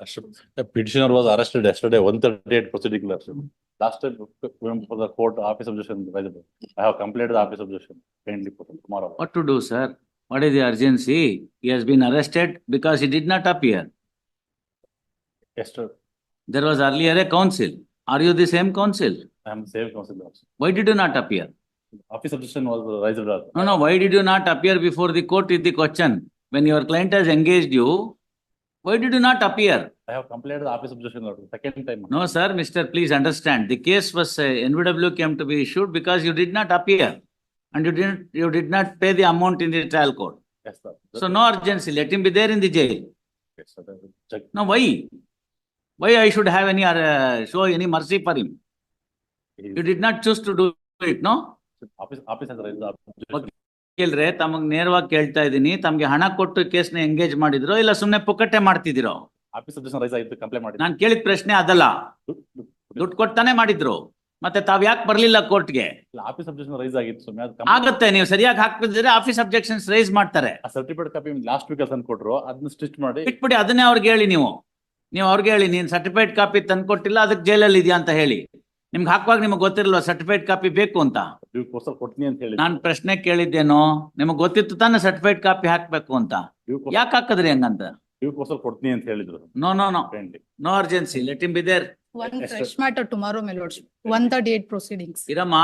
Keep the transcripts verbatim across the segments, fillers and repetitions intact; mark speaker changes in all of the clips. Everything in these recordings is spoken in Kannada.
Speaker 1: The petitioner was arrested yesterday, one thirty-eight proceeding. Last time, we went for the court office objection. I have completed the office objection. Kindly put it tomorrow.
Speaker 2: What to do, sir? What is the urgency? He has been arrested because he did not appear.
Speaker 1: Yesterday,
Speaker 2: There was earlier a council. Are you the same council?
Speaker 1: I am the same council also.
Speaker 2: Why did you not appear?
Speaker 1: Office objection was raised.
Speaker 2: No, no. Why did you not appear before the court is the question? When your client has engaged you, why did you not appear?
Speaker 1: I have completed the office objection order. Second time.
Speaker 2: No, sir, Mister Please understand. The case was uh, N V W came to be issued because you did not appear, and you didn't. You did not pay the amount in the trial court.
Speaker 1: Yes, sir.
Speaker 2: So no urgency. Let him be there in the jail.
Speaker 1: Yes, sir. Check.
Speaker 2: No, why? Why I should have any uh, show any mercy for him? You did not choose to do it, no?
Speaker 1: Office office has raised the objection.
Speaker 2: ಕೇಳ್ರೆ ತಮಗ್ ನೇರವಾಗಿ ಕೇಳ್ತಾ ಇದೀನಿ, ತಮ್ಗೆ ಹಣ ಕೊಟ್ಟು ಕೇಸ್ನ ಎಂಗೇಜ್ ಮಾಡಿದ್ರೋ ಇಲ್ಲ ಸುಮ್ನೆ ಪುಕ್ಕಟ್ಟೆ ಮಾಡ್ತಿದಿರೋ?
Speaker 1: ಆಫೀಸ್ objection ರೈಸ್ ಆಯ್ತು, ಕಂಪ್ಲೇಂಟ್ ಮಾಡಿ.
Speaker 2: ನಾನು ಕೇಳಿದ ಪ್ರಶ್ನೆ ಅದಲ್ಲ. ದುಡ್ಡು ಕೊಡ್ತಾನೆ ಮಾಡಿದ್ರು, ಮತ್ತೆ ತಾವ್ ಯಾಕೆ ಬರ್ಲಿಲ್ಲ ಕೋರ್ಟ್ಗೆ?
Speaker 1: ಆಫೀಸ್ objection ರೈಸ್ ಆಗಿತ್ತು.
Speaker 2: ಆಗುತ್ತೆ, ನೀವು ಸರಿಯಾಗಿ ಹಾಕ್ತಿದ್ರೆ ಆಫೀಸ್ ಅಬ್ಜೆಕ್ಷನ್ಸ್ ರೈಸ್ ಮಾಡ್ತಾರೆ.
Speaker 1: ಆ ಸರ್ಟಿಫಿಕೇಟ್ ಕಾಪಿ ಲಾಸ್ಟ್ ವೀಕ್ ತಂದು ಕೊಟ್ರು, ಅದನ್ನ ಸ್ಟಿಚ್ ಮಾಡಿ
Speaker 2: ಬಿಟ್ಬಿಡಿ. ಅದನ್ನೇ ಅವ್ರಿಗೆ ಹೇಳಿ, ನೀವು ನೀವು ಅವ್ರಿಗೆ ಹೇಳಿ ನೀನ್ ಸರ್ಟಿಫಿಕೇಟ್ ಕಾಪಿ ತಂದು ಕೊಟ್ಟಿಲ್ಲ, ಅದಕ್ಕೆ ಜೈಲಲ್ಲಿ ಇದೆಯಾ ಅಂತ ಹೇಳಿ. ನಿಮ್ಗೆ ಹಾಕುವಾಗ ನಿಮ್ಗೆ ಗೊತ್ತಿರಲ್ವಾ ಸರ್ಟಿಫಿಕೇಟ್ ಕಾಪಿ ಬೇಕು ಅಂತ?
Speaker 1: ಕೊಡ್ತೀನಿ ಅಂತ ಹೇಳಿ
Speaker 2: ನಾನು ಪ್ರಶ್ನೆ ಕೇಳಿದ್ದೇನೋ, ನಿಮಗ್ ಗೊತ್ತಿತ್ತು ತಾನೆ ಸರ್ಟಿಫಿಕೇಟ್ ಕಾಪಿ ಹಾಕ್ಬೇಕು ಅಂತ, ಯಾಕೆ ಹಾಕದ್ರಿ ಹಂಗಂತ?
Speaker 1: ಕೊಡ್ತೀನಿ ಅಂತ ಹೇಳಿದ್ರು.
Speaker 2: No no no no urgency. Let him be there.
Speaker 3: One fresh matter tomorrow, my lordship. one thirty-eight proceedings.
Speaker 2: ಇರಮ್ಮ.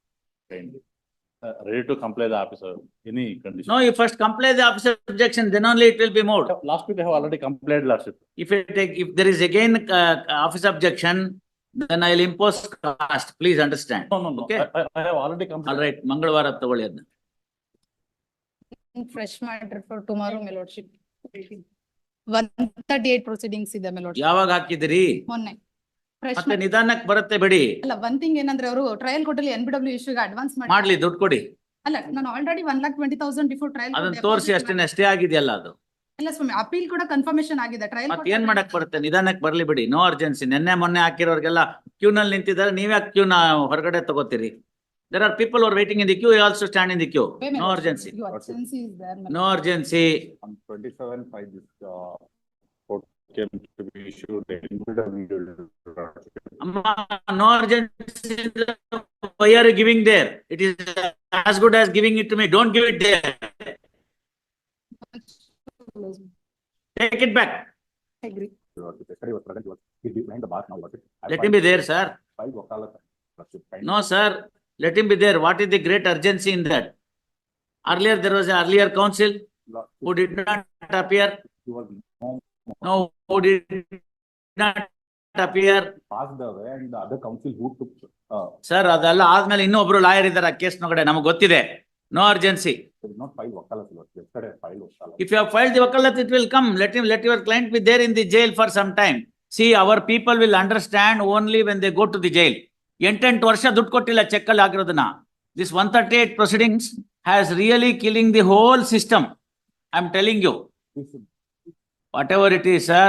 Speaker 1: Ready to comply the officer. Any condition?
Speaker 2: No, you first comply the officer objection, then only it will be moved.
Speaker 1: Last week I have already complied, lordship.
Speaker 2: If it take, if there is again uh, office objection, then I will impose cost. Please understand.
Speaker 1: No, no, no.
Speaker 2: Okay.
Speaker 1: I, I have already complied.
Speaker 2: All right. ಮಂಗಳವಾರ ತಗೊಳ್ಳಿ ಅದನ್ನ.
Speaker 3: Fresh matter for tomorrow, my lordship. one thirty-eight proceedings ಇದೆ, my lordship.
Speaker 2: ಯಾವಾಗ ಹಾಕಿದಿರಿ?
Speaker 3: ಮೊನ್ನೆ. Fresh
Speaker 2: ಮತ್ತೆ ನಿಧಾನಕ್ಕೆ ಬರುತ್ತೆ ಬಿಡಿ.
Speaker 3: ಅಲ್ಲ, one thing ಏನಂದ್ರೆ ಅವರು ಟ್ರಯಲ್ ಕೋರ್ಟಲ್ಲಿ N B W ಇಶ್ಯೂಗೆ ಅಡ್ವಾನ್ಸ್ ಮಾಡಿ
Speaker 2: ಮಾಡ್ಲಿ, ದುಡ್ಡು ಕೊಡಿ.
Speaker 3: ಅಲ್ಲ, ನಾನು already one lakh twenty thousand before trial
Speaker 2: ಅದನ್ನ ತೋರಿಸಿ ಅಷ್ಟೇನೆ, ಅಷ್ಟೇ ಆಗಿದೆಯಲ್ಲ ಅದು.
Speaker 3: ಇಲ್ಲ ಸ್ವಾಮಿ, ಅಪೀಲ್ ಕೂಡ ಕನ್ಫರ್ಮೇಶನ್ ಆಗಿದೆ. ಟ್ರಯಲ್
Speaker 2: ಮತ್ತೆ ಏನ್ ಮಾಡಕ್ ಬರುತ್ತೆ? ನಿಧಾನಕ್ಕೆ ಬರ್ಲಿ ಬಿಡಿ. No urgency. ನಿನ್ನೆ ಮೊನ್ನೆ ಹಾಕಿರೋರ್ಗೆಲ್ಲ ಕ್ಯೂ ನಲ್ಲಿ ನಿಂತಿದ್ದಾರೆ, ನೀವ್ಯಾಕೆ ಕ್ಯೂ ನ ಹೊರಗಡೆ ತಗೋತೀರಿ? There are people who are waiting in the queue. You also stand in the queue. No urgency.
Speaker 3: Your urgency is there.
Speaker 2: No urgency.
Speaker 1: On twenty-seven five, this uh, court came to be issued. N B W.
Speaker 2: Amma, no urgency. Why are you giving there? It is as good as giving it to me. Don't give it there. Take it back.
Speaker 3: I agree.
Speaker 2: Let him be there, sir. No, sir. Let him be there. What is the great urgency in that? Earlier, there was an earlier council who did not appear. No, who did not appear.
Speaker 1: Passed away, and the other council who took. Uh,
Speaker 2: Sir, ಅದೆಲ್ಲ ಆದ್ಮೇಲೆ ಇನ್ನೊಬ್ರು ಲಾಯರ್ ಇದ್ದಾರೆ ಆ ಕೇಸ್ ನೊಳಗಡೆ, ನಮಗೆ ಗೊತ್ತಿದೆ. No urgency.
Speaker 1: not filed wakalat. Yesterday filed wakalat.
Speaker 2: If you have filed the wakalat, it will come. Let him, let your client be there in the jail for some time. See, our people will understand only when they go to the jail. ಎಂಟೆಂಟು ವರ್ಷ ದುಡ್ಡು ಕೊಟ್ಟಿಲ್ಲ ಚೆಕ್ ಅಲ್ಲಿ ಆಗಿರೋದನ್ನ. This one thirty-eight proceedings has really killing the whole system. I am telling you. Whatever it is, sir.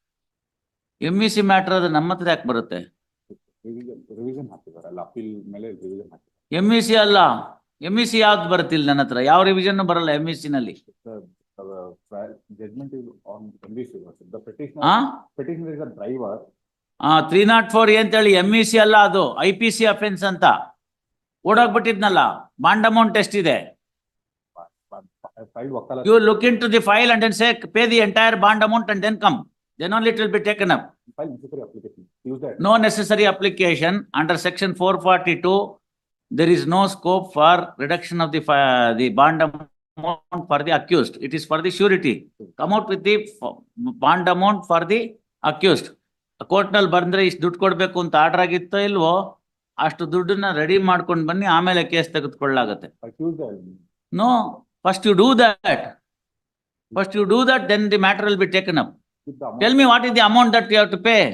Speaker 2: M E C matter ಅದು ನಮ್ಮ ಹತ್ರ ಯಾಕೆ ಬರುತ್ತೆ?
Speaker 1: ರಿವಿಷನ್ ಹಾಕಿದ್ದಾರೆ ಅಲ್ಲ, ಅಪೀಲ್ ಮೇಲೆ ರಿವಿಷನ್ ಹಾಕಿದ್ದಾರೆ.
Speaker 2: M E C ಅಲ್ಲ, M E C ಯಾವ್ದು ಬರುತ್ತಿಲ್ಲ ನನ್ನ ಹತ್ರ, ಯಾವ ರಿವಿಷನ್ ಬರಲ್ಲ M E C ನಲ್ಲಿ.
Speaker 1: Judgment is on M E C. The petitioner,
Speaker 2: ಹಾ
Speaker 1: petitioner is a driver.
Speaker 2: ಆ ತ್ರೀ ನಾಟ್ ಫೋರ್ ಅಂತೇಳಿ ಎಂ ಇ ಸಿ ಅಲ್ಲ, ಅದು ಐ ಪಿ ಸಿ ಅಫೆನ್ಸ್ ಅಂತ. ಓಡೋಗ್ಬಿಟ್ಟಿದ್ನಲ್ಲ, ಬಾಂಡ್ ಅಮೌಂಟ್ ಎಷ್ಟಿದೆ?
Speaker 1: Filed wakalat.
Speaker 2: You look into the file and then say pay the entire bond amount and then come. Then only it will be taken up.
Speaker 1: File necessary application. Use that.
Speaker 2: No necessary application under section four forty-two. There is no scope for reduction of the fi- the bond amount for the accused. It is for the surety. Come out with the f- bond amount for the accused. Court ನಲ್ಲಿ ಬಂದ್ರೆ ಇಷ್ಟು ದುಡ್ಡು ಕೊಡ್ಬೇಕು ಅಂತ ಆರ್ಡರ್ ಆಗಿತ್ತೋ ಇಲ್ವೋ, ಅಷ್ಟು ದುಡ್ಡನ್ನ ರೆಡಿ ಮಾಡ್ಕೊಂಡು ಬನ್ನಿ, ಆಮೇಲೆ ಕೇಸ್ ತೆಗೆದುಕೊಳ್ಳಾಗತ್ತೆ.
Speaker 1: Accuse that.
Speaker 2: No, first you do that. First you do that, then the matter will be taken up.
Speaker 1: With the amount.
Speaker 2: Tell me what is the amount that you have to pay.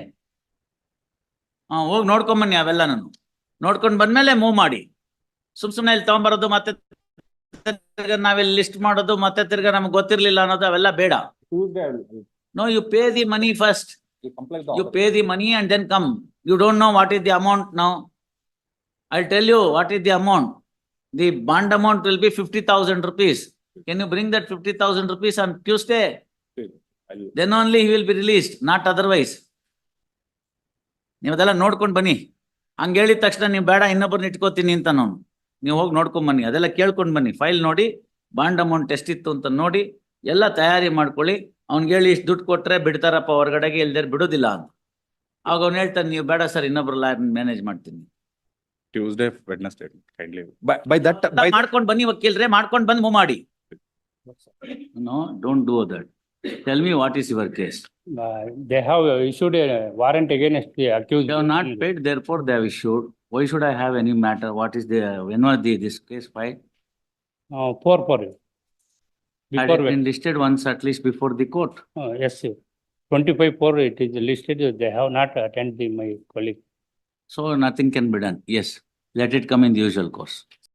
Speaker 2: ಹಾ, ಹೋಗಿ ನೋಡ್ಕೊಂಡ್ ಬನ್ನಿ ಅವೆಲ್ಲ. ನಾನು ನೋಡ್ಕೊಂಡ್ ಬಂದ್ಮೇಲೆ ಮೂವ್ ಮಾಡಿ. ಸುಮ್ ಸುಮ್ನೆ ಇಲ್ಲಿ ತಗೊಂಡ್ಬರೋದು, ಮತ್ತೆ ನಾವಿಲ್ಲಿ ಲಿಸ್ಟ್ ಮಾಡೋದು, ಮತ್ತೆ ತಿರ್ಗಾ ನಮ್ಗೆ ಗೊತ್ತಿರ್ಲಿಲ್ಲ ಅನ್ನೋದು, ಅವೆಲ್ಲ ಬೇಡ.
Speaker 1: Use that.
Speaker 2: No, you pay the money first.
Speaker 1: You comply the
Speaker 2: You
Speaker 1: order.
Speaker 2: pay the money and then come. You don't know what is the amount now. I'll tell you what is the amount. The bond amount will be fifty thousand rupees. Can you bring that fifty thousand rupees on Tuesday?
Speaker 1: I'll-
Speaker 2: then only he will be released, not otherwise. ನೀವು ಅದೆಲ್ಲ ನೋಡ್ಕೊಂಡ್ ಬನ್ನಿ. ಹಂಗ ಹೇಳಿದ ತಕ್ಷಣ ನೀವು ಬೇಡ ಇನ್ನೊಬ್ಬರನ್ನ ಇಟ್ಕೋತೀನಿ ಅಂತ ನಾನು, ನೀವು ಹೋಗಿ ನೋಡ್ಕೊಂಡ್ ಬನ್ನಿ, ಅದೆಲ್ಲ ಕೇಳ್ಕೊಂಡ್ ಬನ್ನಿ, ಫೈಲ್ ನೋಡಿ, ಬಾಂಡ್ ಅಮೌಂಟ್ ಎಷ್ಟಿತ್ತು ಅಂತ ನೋಡಿ, ಎಲ್ಲ ತಯಾರಿ ಮಾಡ್ಕೊಳ್ಳಿ. ಅವ್ನಿಗೆ ಹೇಳಿ ಇಷ್ಟು ದುಡ್ಡು ಕೊಟ್ರೆ ಬಿಡ್ತಾರಪ್ಪ ಹೊರಗಡೆಗೆ, ಇಲ್ದೇ ಬಿಡೋದಿಲ್ಲ ಅಂತ. ಆಗ ಅವ್ನು ಹೇಳ್ತಾನೆ ನೀವು ಬೇಡ ಸರ್ ಇನ್ನೊಬ್ರು ಲಾಯರ್ ಮ್ಯಾನೇಜ್ ಮಾಡ್ತೀನಿ.
Speaker 1: Tuesday, Wednesday, kindly. By, by that, by,
Speaker 2: ಮಾಡ್ಕೊಂಡ್ ಬನ್ನಿ ವಕೀಲ್ರೆ, ಮಾಡ್ಕೊಂಡ್ ಬಂದು ಮೂವ್ ಮಾಡಿ. No don't do that. Tell me what is your case.
Speaker 4: Uh, they have issued a warrant against the accused.
Speaker 2: They have not paid, therefore they have issued. Why should I have any matter? What is the, when was the, this case filed?
Speaker 4: Uh, four, four.
Speaker 2: Had
Speaker 4: Before,
Speaker 2: it been listed once at least before the court?
Speaker 4: uh, yes, sir. Twenty-five, four, it is listed, they have not attended my colleague.
Speaker 2: So nothing can be done. Yes, let it come in the usual course.